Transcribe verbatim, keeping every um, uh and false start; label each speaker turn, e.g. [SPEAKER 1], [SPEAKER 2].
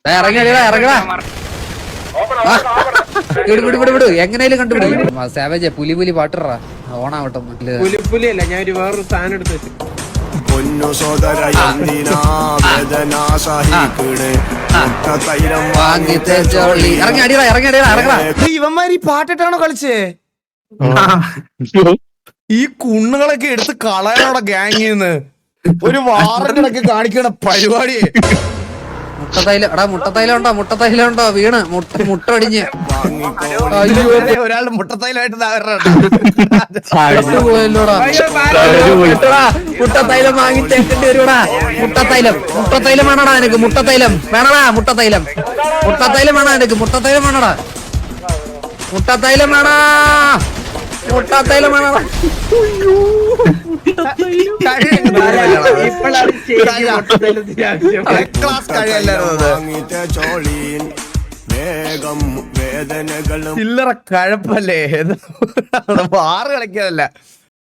[SPEAKER 1] ഇറങ്ങിയടാ ഇറങ്ങടാ വിടു വിടു വിടു എങ്ങനെയാലും കണ്ടുപിടിക്കും. സാവേജ് പുലി പുലി പാട്ടിറാ ഓണാവട്ടെ.
[SPEAKER 2] പുലിപ്പുലി അല്ല, ഞാൻ ഒരു വേറൊരു സാധനം എടുത്ത് വെച്ചു.
[SPEAKER 3] പൊന്നു സോദര
[SPEAKER 1] ഇറങ്ങി അടിയടാ ഇറങ്ങി അടിയടാ ഇറങ്ങടാ.
[SPEAKER 4] ഇവന്മാര് ഈ പാട്ടിട്ടാണോ കളിച്ചേ? ഈ കുണ്ണുകളൊക്കെ എടുത്ത് കളയാനോടെ ഗ്യാങ്ങിന്ന് ഒരു വാറൊക്കെ കാണിക്കണ പരിപാടി.
[SPEAKER 1] മുട്ടത്തൈലം എടാ മുട്ടത്തൈലം ഉണ്ടോ? മുട്ടത്തൈലം ഉണ്ടോ? വീണ് മുട്ട മുട്ട ഒടിഞ്ഞ്
[SPEAKER 4] ഒരാളുടെ മുട്ടത്തൈലായിട്ട്
[SPEAKER 1] പോയല്ലോടാ. മുട്ടത്തൈലം വാങ്ങിച്ചേക്കേണ്ടി വരുവാടാ. മുട്ടത്തൈലം മുട്ടത്തൈലം വേണടാ എനിക്ക്. മുട്ടത്തൈലം വേണടാ. മുട്ടത്തൈലം മുട്ടത്തൈലം വേണ എനിക്ക്. മുട്ടത്തൈലം വേണടാ. മുട്ടത്തൈലം വേണാ. മുട്ടത്തൈലം വേണടാ.
[SPEAKER 4] ചില്ലറ കഴപ്പല്ലേ? ആറ് കളിക്കാനല്ല.